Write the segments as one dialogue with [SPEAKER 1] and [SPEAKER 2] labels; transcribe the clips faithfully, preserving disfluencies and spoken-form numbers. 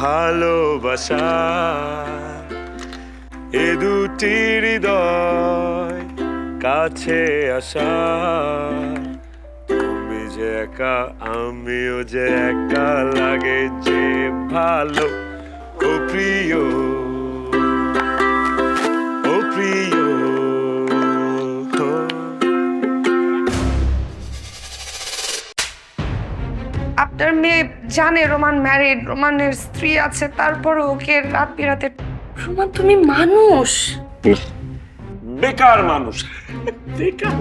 [SPEAKER 1] ভালোবাসা এ দুটি হৃদয় কাছে আসা তুমি যে একা আমিও যে একা লাগে যে ভালো ও প্রিয় ও প্রিয়
[SPEAKER 2] আপনার মেয়ে জানে রোমান ম্যারিড, রোমানের স্ত্রী আছে, তারপরও ওকে রাত বিরাতে। রোমান তুমি মানুষ,
[SPEAKER 1] বেকার মানুষ, বেকার।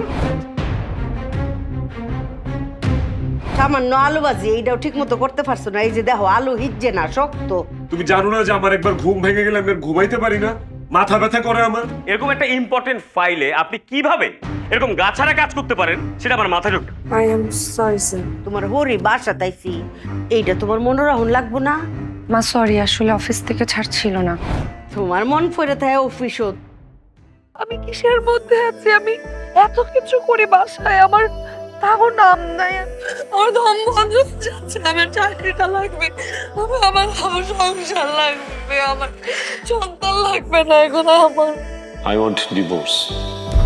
[SPEAKER 3] সামান্য আলু ভাজি এইটাও ঠিক মতো করতে পারছো না। এই যে দেখো আলু হিজছে না, শক্ত।
[SPEAKER 1] তুমি জানো না যে আমার একবার ঘুম ভেঙে গেলে আমি আর ঘুমাইতে পারি না, মাথা ব্যথা করে আমার।
[SPEAKER 4] এরকম একটা ইম্পর্টেন্ট ফাইলে আপনি কিভাবে এরকম গাছাড়া কাজ করতে পারেন সেটা আমার মাথায় ঢুকবে।
[SPEAKER 2] I am sorry sir.
[SPEAKER 3] তোমার হরি বাসা তাইছি, এইটা তোমার মনোরহন লাগবো না?
[SPEAKER 2] মা সরি, আসলে অফিস থেকে ছাড়ছিল না।
[SPEAKER 3] তোমার মন পড়ে থাকে অফিসত।
[SPEAKER 2] আমি কিসের মধ্যে আছি? আমি এত কিছু করে বাসায়, আমার তাও নাম নাই। আমার দম বন্ধ হয়ে যাচ্ছে, আমার চাকরিটা লাগবে, আমার আমার আমার সংসার লাগবে, আমার সন্তান লাগবে না এখন আমার।
[SPEAKER 1] I want divorce.